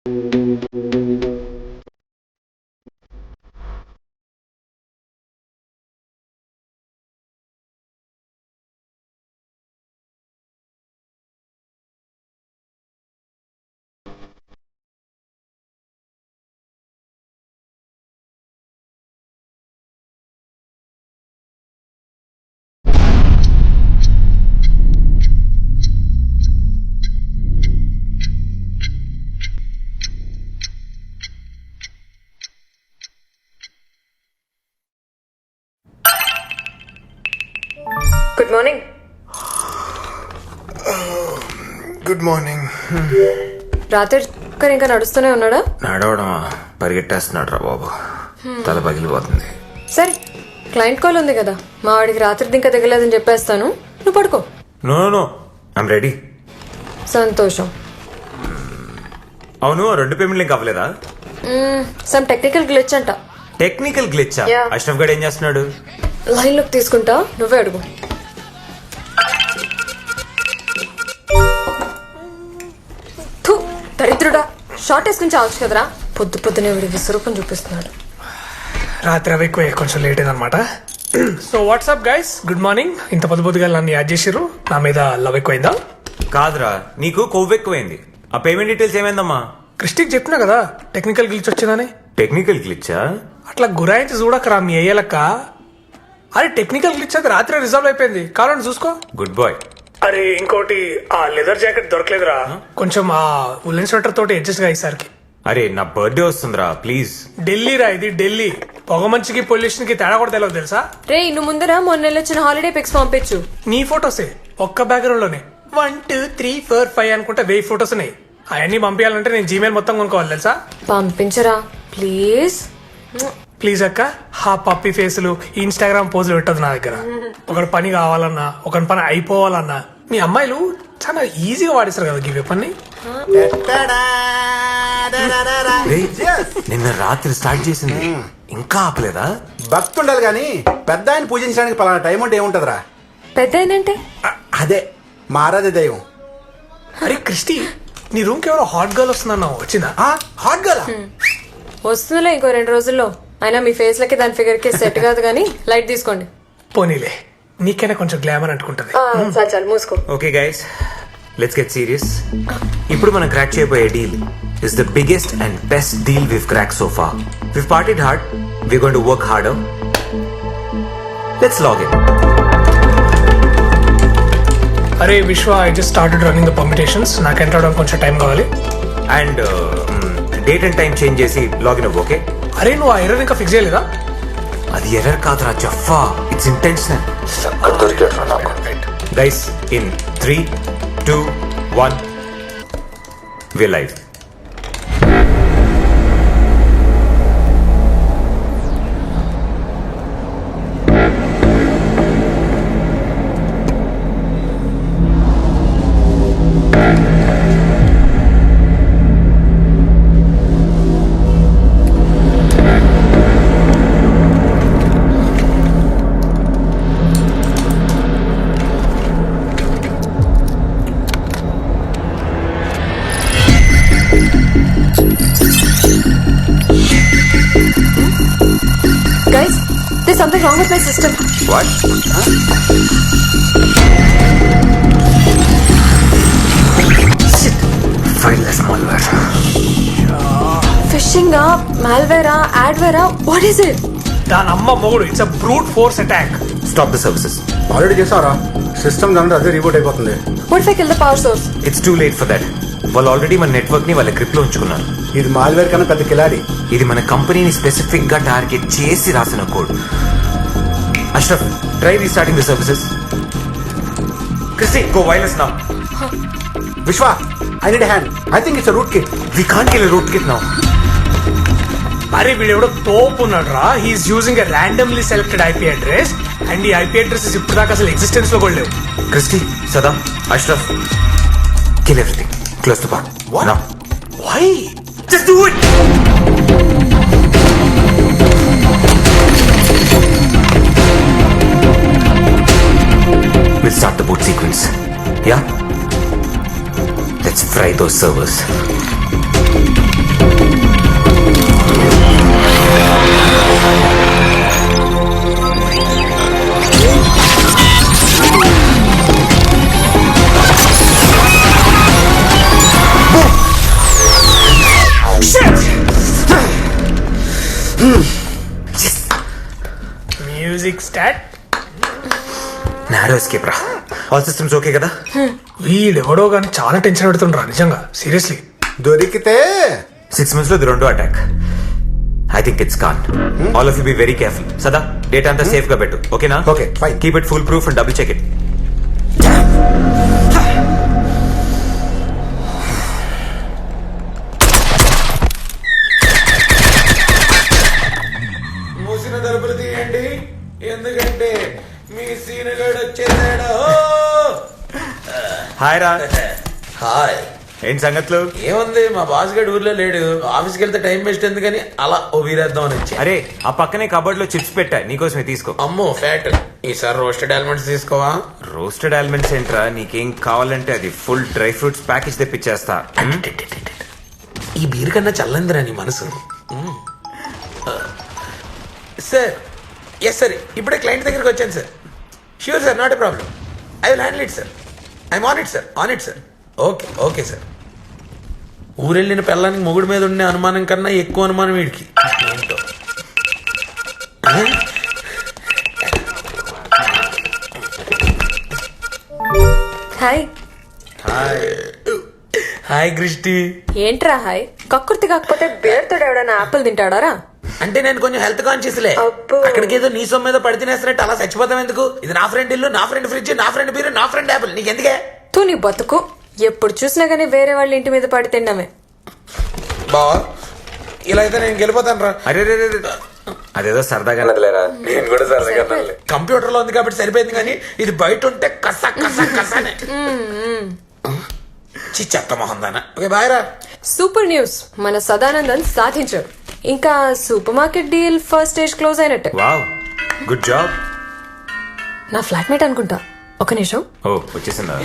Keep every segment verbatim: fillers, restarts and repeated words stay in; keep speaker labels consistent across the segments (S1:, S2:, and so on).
S1: Good morning.
S2: Good morning.
S1: రాత్రి ఇంకా నడుస్తూనే ఉన్నాడా?
S2: నడవడమా, పరిగెట్టేస్తున్నాడు రా బాబు. తల పగిలిపోతుంది.
S1: సరే, క్లయింట్ కాల్ ఉంది కదా, మా వాడికి రాత్రి ఇంకా దిగలేదని చెప్పేస్తాను, నువ్వు పడుకో.
S2: No no I'm ready.
S1: సంతోషం.
S2: అవును, రెండు పేమెంట్లు ఇంకా అవ్వలేదా?
S1: సమ్ టెక్నికల్ గ్లిచ్ అంట.
S2: Technical glitch? అష్రఫ్ గడ్ ఏం చేస్తున్నాడు?
S1: లైన్ లోకి తీసుకుంటా, నువ్వే అడుగు. దరిద్రుడా, షార్ట్ వేసుకుని చావచ్చు కదరా. పొద్దు పొద్దునే వీడి విశ్వరూపం చూపిస్తున్నాడు.
S3: రాత్రి అవి ఎక్కువ, కొంచెం లేట్ అయిందనమాట. So WhatsApp guys, good morning. ఇంత పొద్దు పొద్దుగా నన్ను యాడ్ చేసిర్రు, నా మీద లవ్ ఎక్కువైందా?
S2: కాదురా, నీకు కొవ్వు ఎక్కువైంది. ఆ పేమెంట్ డీటెయిల్స్ ఏమైందమ్మా?
S3: క్రిస్టిక్ చెప్పినా కదా టెక్నికల్ గ్లిచ్ వచ్చిందని.
S2: టెక్నికల్ గ్లిచ్చా?
S3: అట్లా గురాయించి చూడకరా మీ అయ్యలక్క. అరే టెక్నికల్ గ్లిచ్ అది రాత్రి రిజాల్వ్ అయిపోయింది, కావాలని చూసుకో.
S2: Good bye.
S3: అరే ఇంకోటి, ఆ లెదర్ జాకెట్ దొరకలేదురా, కొంచెం ఆ ఉల్లెన్ స్వెటర్ తోటి అడ్జస్ట్ గా ఈసారికి.
S2: అరే నా బర్త్డే వస్తుందిరా, ప్లీజ్.
S3: ఢిల్లీ రా ఇది, ఢిల్లీ. పొగ మంచికి పొల్యూషన్ కి తేడా కూడా తెలియదు తెలుసా?
S1: రే నువ్వు ముందర మొన్న వచ్చిన హాలిడే పిక్స్ పంపించు.
S3: నీ ఫొటోసే ఒక్క బ్యాక్గ్రౌండ్ లోనే one two three four five అనుకుంటే వెయ్యి ఫొటోస్ ఉన్నాయి. అవన్నీ పంపించాలంటే నేను జీమెయిల్ మొత్తం కొనుక్కోవాలి తెలుసా?
S1: పంపించరా ప్లీజ్.
S3: ప్లీజ్ అక్క. హా పప్పి ఫేసులు ఇన్స్టాగ్రామ్ పోజులు పెట్టదు నా దగ్గర. ఒకటి పని కావాలన్నా, ఒకటి పని అయిపోవాలన్నా మీ అమ్మాయిలు చాలా ఈజీగా వాడిస్తారు కదా ఈ పని.
S2: నిన్న రాత్రి స్టార్ట్ చేసింది, ఇంకా ఆపలేదా?
S4: భక్తి ఉండాలి కానీ పెద్ద ఆయన పూజించడానికి పలానా టైం అంటే ఏముంటదిరా?
S1: పెద్ద ఏంటంటే
S4: అదే మారాదే దైవం.
S3: అరే క్రిస్టి, నీ రూమ్ కి ఎవరో హాట్ గర్ల్ వస్తుందన్నావు, వచ్చిందా?
S4: హాట్ గర్ల్
S1: వస్తుందిలే ఇంకో రెండు రోజుల్లో. అయినా మీ ఫేస్ లకి దాని ఫిగర్ కి సెట్ కాదు కానీ లైట్ తీసుకోండి.
S3: పోనీలే, నీకైనా కొంచెం గ్లామర్ అంటుకుంటది.
S1: చాలు చాలు మూసుకో.
S2: Okay guys, let's get serious. ఇప్పుడు మనం క్రాక్ చేయబోయే deal is the biggest and best deal we've crack so far. We've partied hard, we going to work harder. Let's log in.
S3: అరే Vishwa, I just started running the competitions. నాకు enter అవడానికి కొంచెం time కావాలి.
S2: And date and time change చేసి login అవ్వు. Okay?
S3: అరే నువ్వు ఆ ఎర్రర్ ఇంకా ఫిక్స్ చేయలేదా?
S2: అది ఎర్రర్ కాదురా జఫా, it's intentional. Guys, in three two one we live.
S1: Guys, there's something wrong with my system.
S2: What? Shit. Fileless malware.
S1: Phishing ah, malware ah, adware ah, what is it?
S3: దాని అమ్మ మొగుడు, it's a brute force attack.
S2: Stop the services.
S4: Already చేసావరా? System దాంట్లో అదే reboot అయిపోతుంది.
S1: What if I kill the power source?
S2: It's too late for that. వాళ్ళు already మన network ని వాళ్ళ గ్రిప్ లో ఉంచుకున్నారు.
S4: ఇది మాల్వేర్ కన్నా పెద్ద కిలాడి.
S2: ఇది మన కంపెనీని స్పెసిఫిక్ గా టార్గెట్ చేసి రాసిన కోడ్. Ashraf, try restarting the services. Christie, go wireless now.
S4: Vishwa, I need hand. I think it's rootkit.
S2: We can't kill rootkit now.
S3: అరే వీడెవడో తోపు ఉన్నాడు రా. He's using a randomly selected IP address and ఈ IP addresses ఇప్పుడు దాకా అసలు existence లో కూడా లేవు.
S2: Christie, Sada, Ashraf, kill everything. Close the bar.
S4: What?
S2: Now.
S3: Why?
S2: Just do it! We'll start the boot sequence. Yeah? Let's fry those servers.
S3: Start.
S2: Narrow escape రా. All systems okay కదా?
S3: వీడెవడో కానీ చాలా టెన్షన్ పెడుతుండ్రా నిజంగా, సీరియస్లీ.
S4: దొరికితే
S2: సిక్స్ మంత్స్ లో ఇది రెండో attack. I think it's con. All of you be very careful. Sada data అంతా సేఫ్ గా పెట్టు, ఓకేనా?
S4: Okay, fine.
S2: Keep it foolproof and double check it.
S5: మూసిన తలుపులు తీయండి, ఎందుకంటే మీ సీనుగాడు వచ్చేసాడు.
S2: హాయ్ రా.
S5: హాయ్.
S2: ఏంటి సంగతులు?
S5: ఏముంది, మా బాస్ గడు ఊర్లో లేడు. ఆఫీస్కి వెళ్తే టైం వేస్ట్ ఎందుకని అలా ఓ వీరేద్దాం అని వచ్చా.
S2: అరే ఆ పక్కనే కబోర్డ్ లో చిప్స్ పెట్టా, నీకోసమే తీసుకో.
S5: అమ్మో ఫ్యాట్. ఈసారి రోస్టెడ్ ఆల్మండ్స్ తీసుకోవా?
S2: రోస్టెడ్ ఆల్మండ్స్ ఏంట్రా, నీకేం కావాలంటే అది ఫుల్ డ్రై ఫ్రూట్స్ ప్యాకేజ్ తెప్పించేస్తా.
S5: ఈ బీర్ కన్నా చల్లందిరా నీ మనసు. సార్ ఎస్ సార్, ఇప్పుడే క్లయింట్ దగ్గరికి వచ్చాను sir. Sure sir, not a problem. I will handle it sir. I'm on it sir, on it sir. Okay okay sir. ఊరెళ్ళిన పిల్లానికి మొగుడు మీద ఉండే అనుమానం కన్నా ఎక్కువ అనుమానం వీడికి. ఏంటో.
S1: హాయ్.
S5: Hi hi Christie.
S1: ఏంట్రా హాయ్? కక్కుర్తి కాకపోతే బేర్తో ఎవడన్నా ఆపిల్ తింటాడారా?
S5: అంటే నేను కొంచెం హెల్త్ కాన్షియస్ లే.
S1: అబ్బో.
S5: అక్కడికి ఏదో నీ సొమ్ము మీద పడి తినేస్తున్నట్టు అలా చచ్చిపోతాం ఎందుకు? ఇది నా ఫ్రెండ్ ఇల్లు, నా ఫ్రెండ్ ఫ్రిడ్జ్, నా ఫ్రెండ్ బీరు, నా ఫ్రెండ్ యాపిల్. నీకు ఎందుకే?
S1: తూ నీ బతుకు. ఎప్పుడు చూసినా గానీ వేరే వాళ్ళ ఇంటి మీద పడి తిన్నామే.
S5: బావా ఇలా అయితే నేను గెలిపోతాను రా.
S2: అరే రే రే రే. అదేదో సరదాగా నదిలేరా.
S5: నేను కూడా సరదాగా కంప్యూటర్ లో ఉంది కాబట్టి సరిపోయింది, కానీ ఇది బయట ఉంటే కస కస కసనే. చి చెత్త మొహం దానా. ఓకే బాయ్ రా.
S1: సూపర్ న్యూస్, మన సదానందన్ సాధించాడు. ఇంకా supermarket deal first stage close అయినట్టే.
S2: Wow, good job.
S1: నా ఫ్లాట్మేట్ అనుకుంటా. ఒక నిమిషం.
S2: ఓ వచ్చేసిందా?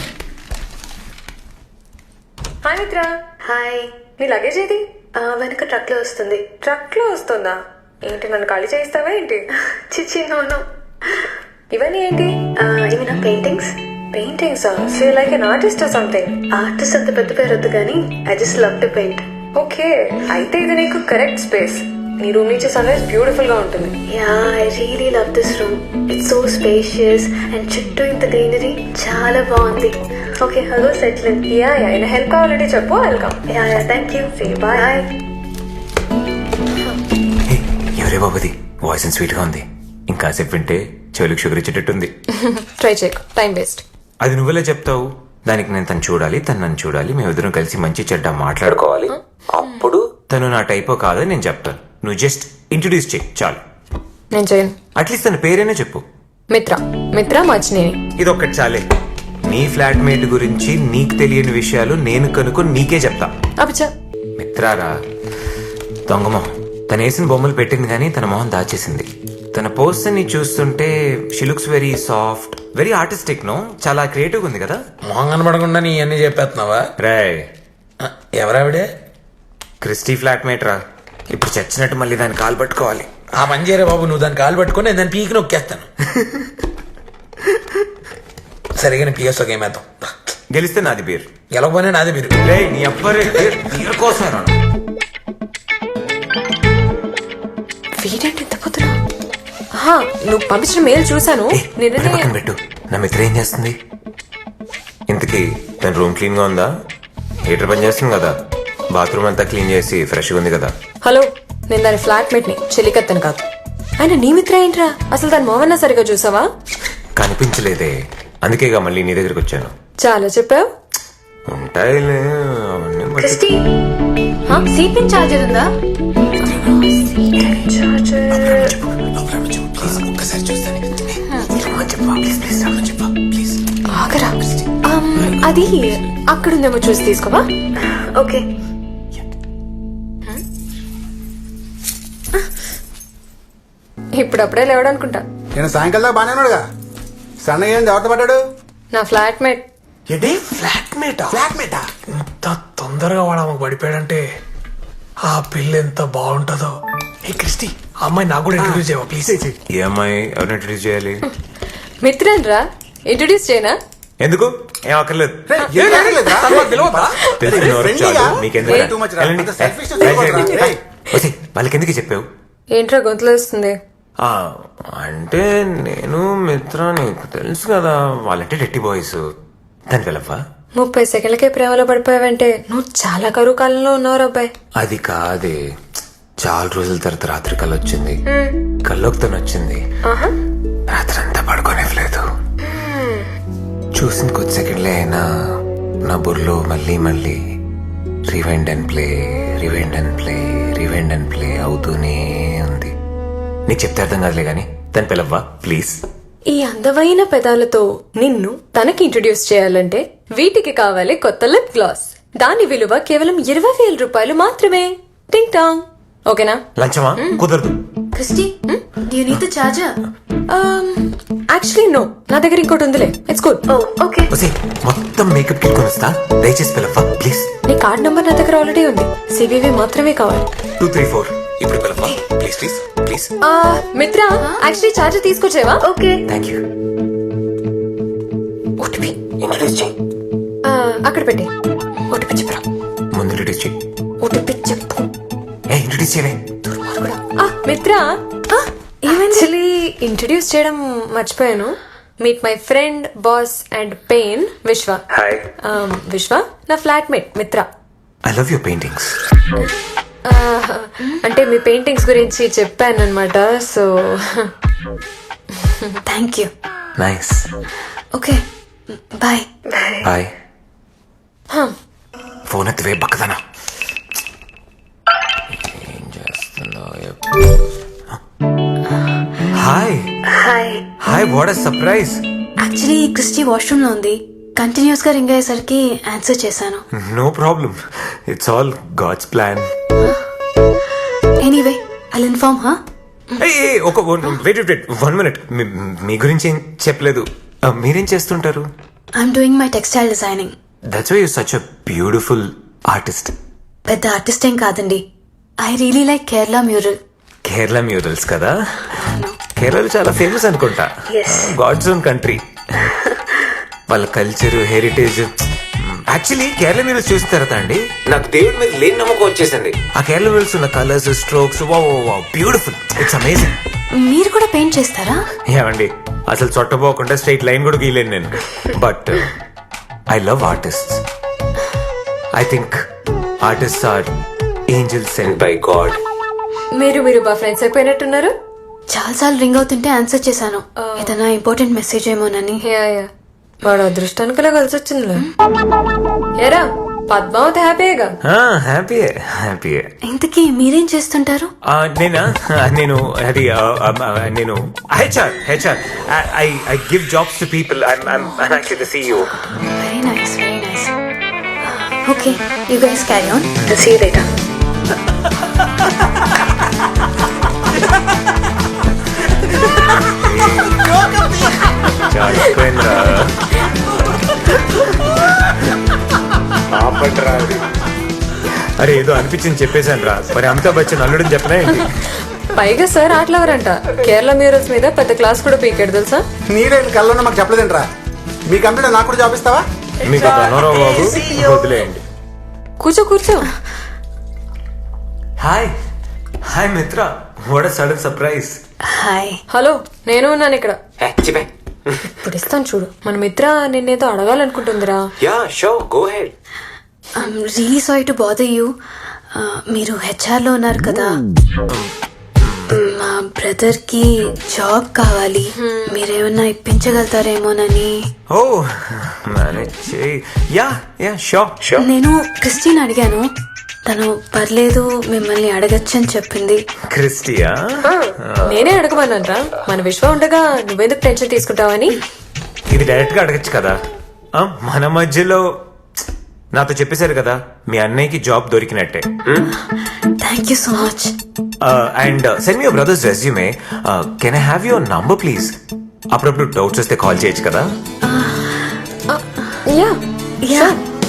S1: హాయ్ మిత్ర.
S6: హాయ్.
S1: నీ లగేజ్ ఏది?
S6: ఆ, వెనక ట్రక్ లో వస్తుంది.
S1: ట్రక్ లో వస్తుందా? ఏంటి, నన్ను ఖాళీ చేయిస్తావా ఏంటి?
S6: చిచ్చి నోను.
S1: ఇవన్నీ ఏంటి?
S6: ఇవి నా paintings.
S1: Paintings. So like an artist or something.
S6: Artist అంత పెద్ద పేరు వద్దు కానీ I just love to paint.
S1: Okay, అయితే ఇది నీకు కరెక్ట్ స్పేస్. నీ రూమ్ నుంచి సన్ రైజ్ బ్యూటిఫుల్ గా ఉంటుంది.
S6: Yeah, I really love this room. It's so spacious and చుట్టూ ఇంత గ్రీనరీ చాలా బాగుంది. Okay, hello settle.
S1: Yeah yeah అయినా హెల్ప్ కావాలంటే చెప్పు, welcome.
S6: Yeah yeah thank you.
S1: Say bye.
S2: Hey, ఎవరే బాబుది? వాయిస్ స్వీట్ గా ఉంది. ఇంకాసేపు వింటే చెవులకు షుగర్ ఇచ్చేటట్టుంది.
S1: ట్రై చేయకు, టైం వేస్ట్.
S2: అది నువ్వెలా చెప్తావు? దానికి నేను తను చూడాలి, తను నన్ను చూడాలి, మేమిద్దరం కలిసి మంచి చెడ్డ మాట్లాడుకోవాలి. అప్పుడు తను నా టైపో కాదని నేను చెప్తాను. నువ్వు జస్ట్ ఇంట్రొడ్యూస్ చేయి చాలు.
S1: నేను చేయను.
S2: అట్లీస్ట్ తన పేరైనా చెప్పు.
S1: మిత్ర. మిత్ర మచ్చినేని.
S2: ఇది ఒక్కటి చాలే. నీ ఫ్లాట్మేట్ గురించి నీకు తెలియని విషయాలు నేను కనుక్కొని నీకే చెప్తా.
S1: అబ్బా,
S2: మిత్రారా దొంగమోహం. తను వేసిన బొమ్మలు పెట్టింది కానీ తన మొహం దాచేసింది. తన పోస్టర్ ని చూస్తుంటే she looks very soft, very artistic. No, చాలా క్రియేటివ్ ఉంది కదా.
S5: మొహం కనబడకుండా నీ అన్ని చెప్పేస్తున్నావా?
S2: రే,
S5: ఆ, ఎవరావిడే?
S2: క్రిస్టీ ఫ్లాట్మేట్ రా. ఇప్పుడు చచ్చినట్టు మళ్ళీ దాన్ని కాలు పట్టుకోవాలి.
S5: ఆ పని చేయరా బాబు, నువ్వు దాన్ని కాలు పట్టుకొని నేను దాన్ని పీకి నొక్కేస్తాను. సరిగా పిఎస్ ఒక ఏమేద్దాం.
S2: గెలిస్తే నాది బీర్,
S5: గెలవకపోయినా నాది మీరు.
S2: రే నీ అబ్బరే బీర్ కోసం రా.
S1: వీడేంటి ఇంత పొద్దున? ఆహా, నువ్వు పంపించిన మెయిల్ చూసాను.
S2: ఏ, మరి పక్కన పెట్టు. నా మిత్ర ఏం చేస్తుంది ఇంతకీ? తన రూమ్ క్లీన్ గా ఉందా? హీటర్ పని చేస్తుంది కదా? బాత్రూమ్ అంతా క్లీన్ చేసి ఫ్రెష్ గా ఉంది కదా?
S1: హలో, నేను దాని ఫ్లాట్మేట్ ని, చెలికత్తను కాదు. ఆయన నీ మిత్ర ఏంట్రా? అసలు దాని మొహన్నా సరిగా చూసావా?
S2: కనిపించలేదే, అందుకేగా మళ్ళీ నీ దగ్గరికి వచ్చాను.
S1: చాలా చెప్పావు.
S2: ఉంటాయిలే అవన్నీ మర్చి-
S6: క్రిస్టీ, సీట్ పిన్ చార్జర్ ఉందా?
S1: ఆగరా. ఆమ్, అది అక్కడుందేమో చూసి తీసుకోవా.
S6: ఓకే.
S1: ఇప్పుడప్పుడే లేవడనుకుంటా.
S4: నేను సాయంకాలం దాకా బాగానే ఉన్నాడుగా. సన్నగా ఏంది ఎవరితో పడ్డాడు?
S1: నా ఫ్లాట్మేట్.
S3: ఏంటి ఫ్లాట్మేటా?
S4: ఫ్లాట్మేటా?
S3: ఇంత తొందరగా వాడు ఆమెకు పడిపోయాడంటే ఆ పిల్ల ఎంత బాగుంటుందో. ఏ క్రిస్టి, ఆ అమ్మాయి నాకు కూడా ఇంట్రడ్యూస్ చేయవా ప్లీజ్?
S2: ఈ అమ్మాయి ఎవరిని ఇంట్రడ్యూస్ చేయాలి?
S1: మిత్రన్ రా, ఇంట్రడ్యూస్ చేయనా?
S2: ఎందుకు? ఏం అక్కర్లేదు.
S4: ఏం అడగలేదురా?
S2: తెలిసిన ఎవరు
S4: ఫ్రెండ్లీగా?
S2: చాలు, మీకెందుకు?
S4: Way too much రా.
S2: వెళ్ళండి.
S4: అంత selfish గా
S2: రైట్, రైట్,
S4: చూడకూడదురా.
S2: రైట్. వచ్చి, వాళ్ళకి ఎందుకు చెప్పావు?
S1: ఏంట్రా గొంతులో వస్తుంది?
S2: ఆ, అంటే నేను మిత్ర నీకు తెలుసు కదా వాళ్ళంటే డెట్టి బాయ్స్ దాని వెళ్ళవా
S1: ముప్పై సెకండ్లకే ప్రేమలో పడిపోయావంటే నువ్వు చాలా కరువు కాలంలో ఉన్నావు అబ్బాయి.
S2: అది కాదే చాలా రోజుల తర్వాత రాత్రి కళ్ళు వచ్చింది కల్లోకి తను వచ్చింది రాత్రి అంతా పడుకోనివ్వలేదు చూసిన కొద్ది సెకండ్లే అయినా నా బుర్రలో మళ్ళీ మళ్ళీ rewind and play rewind and play rewind and play అవుతూనే ఉంది. నీకు చెప్తే అర్థం కాదులే గాని దాని పిలవ్వా ప్లీజ్.
S1: ఈ అందమైన పెదాలతో నిన్ను తనకి ఇంట్రడ్యూస్ చేయాలంటే వీటికి కావాలి కొత్త లిప్ గ్లాస్. దాని విలువ కేవలం ఇరవై వేల రూపాయలు మాత్రమే. టింగ్ టాంగ్. ఓకేనా?
S2: లంచమా కుదరదు.
S6: Christy, do you need the charger?
S1: Actually no, నా దగ్గర ఇంకోటి ఉందిలే. It's good.
S6: Oh, okay.
S2: ఒసే మొత్తం మేకప్ కిట్ కొనిస్తా దయచేసి పిలవ్వా ప్లీజ్.
S1: నీ కార్డ్ నంబర్ నా దగ్గర ఆల్రెడీ ఉంది. సివివి మాత్రమే కావాలి.
S2: టూ త్రీ ఫోర్ ఇప్పుడు పిలవ్వా please please please.
S1: Mitra, actually charger తీసుకొచ్చేవా?
S6: Okay.
S2: Thank you. OTP introduce చేయి.
S1: అక్కడ పెట్టి ఓటీపీ చెప్పరా.
S2: ముందు ఇంట్రడ్యూస్ చేయి.
S1: ఓటీపీ చెప్పు.
S2: ఏ ఇంట్రడ్యూస్ చేయవే.
S1: ఆ, మిత్ర, యాక్చువల్లీ ఇంట్రడ్యూస్ చేయడం మర్చిపోయాను. Meet my friend boss and pain Vishwa.
S2: Hi.
S1: Vishwa నా flatmate Mitra.
S2: I love your paintings.
S1: అంటే మీ పెయింటింగ్స్ గురించి చెప్పాను అనమాట. So
S6: Thank you.
S2: Nice.
S6: Okay. Bye.
S2: Hi. Phone ఎత్తివే బక్కదనా. ఏం చేస్తున్నావు? Hi
S6: Hi.
S2: Hi what a surprise.
S6: Actually Christie washroom లో ఉంది. కంటిన్యూస్ గా రింగ్ అయ్యేసరికి ఆన్సర్ చేశాను.
S2: No problem it's all God's plan.
S6: Anyway I'll inform హా.
S2: ఒక వెయిట్ వెయిట్ వన్ మినిట్. మీ గురించి ఏం చెప్పలేదు. Uh, మీరేం చేస్తుంటారు?
S6: I'm doing my textile designing.
S2: That's why you such a beautiful artist.
S6: పెద్ద ఆర్టిస్ట్ ఏం కాదండి. I really like Kerala mural.
S2: Kerala murals కదా? కేరళ చాలా ఫేమస్ అనుకుంటా. God's own country. వాళ్ళ culture heritage. Actually Kerala murals చూసిన తర్వాత అండి నాకు దేవుడి మీద లేని నమ్మకం వచ్చేసింది. ఆ కేరళ మ్యూరల్స్ ఉన్న colours strokes beautiful. It's amazing.
S6: మీరు కూడా పెయింట్ చేస్తారా?
S2: ఏమండి అసలు చొట్టపోకుండా స్ట్రైట్ లైన్ కూడా గీయలేను నేను. But I love artist. I think artist are angels sent by God.
S1: మీరు మీరు బా ఫ్రెండ్స్ అయిపోయినట్టున్నారు.
S6: చాలా సార్లు రింగ్ అవుతుంటే ఆన్సర్ చేశాను. ఏదైనా ఇంపార్టెంట్ మెసేజ్ ఏమోనని.
S1: యా యా వాడు అదృష్టానికిలా కలిసి వచ్చిందిలే. ఏరా పద్మావతి హ్యాపీగా?
S2: హ్యాపీయే హ్యాపీయే.
S6: ఇంతకీ మీరేం చేస్తుంటారు?
S2: నేనా నేను అది నేను HR HR I I give jobs to people. I'm actually the CEO.
S6: Very nice very nice. Okay you guys carry on. See you later.
S2: అరే ఏదో అనిపించింది చెప్పేశాను రా. మరి అమితాబ్ బచ్చన్ అల్లుడని చెప్పలే.
S1: పైగా సార్ ఆటలవరంట. కేరళ మ్యూరల్స్ మీద పెద్ద క్లాస్ కూడా పీకాడు తెలుసా.
S4: నీరేంటి కళ్ళలో మాకు చెప్పలేదంట్రా. మీ కంప్యూటర్ నాకు కూడా జాబ్ ఇస్తావా?
S2: మీకు ధనోరావు బాబు వదిలేయండి.
S1: కూర్చో కూర్చో.
S2: Hi hi Mitra. What a sudden surprise.
S6: Hi.
S1: Hello నేను ఉన్నాను ఇక్కడ.
S2: చెప్పే.
S1: ఇప్పుడు ఇస్తాను చూడు. మన మిత్ర నిన్నేదో అడగాలనుకుంటుందిరా.
S2: Yeah so go ahead.
S6: I'm really sorry to bother you. మీరు హెచ్ఆర్ లో ఉన్నారు కదా. మా బ్రదర్ కి జాబ్ కావాలి. మీరేమన్నా ఇప్పించగలుగుతారేమోనని.
S2: ఓ మేనేజ్ చేయి. Yeah yeah so so.
S6: నేను క్రిస్టిన్ అడిగాను. తను పర్లేదు మిమ్మల్ని అడగచ్చని చెప్పింది.
S2: క్రిస్టియా?
S1: నేనే అడగమన్నానరా. మన విశ్వ ఉండగా నువ్వెందుకు టెన్షన్ తీసుకుంటావని.
S2: ఇది డైరెక్ట్ గా అడగచ్చు కదా. ఆ, మన మధ్యలో నాతో చెప్పేశారు కదా మీ అన్నయ్యకి జాబ్ దొరికినట్టే.
S6: Thank you so much.
S2: And send me your brother's resume. Can I have your number please? అప్పుడప్పుడు డౌట్స్ వస్తే కాల్ చేయొచ్చు కదా.
S1: Yeah
S6: yeah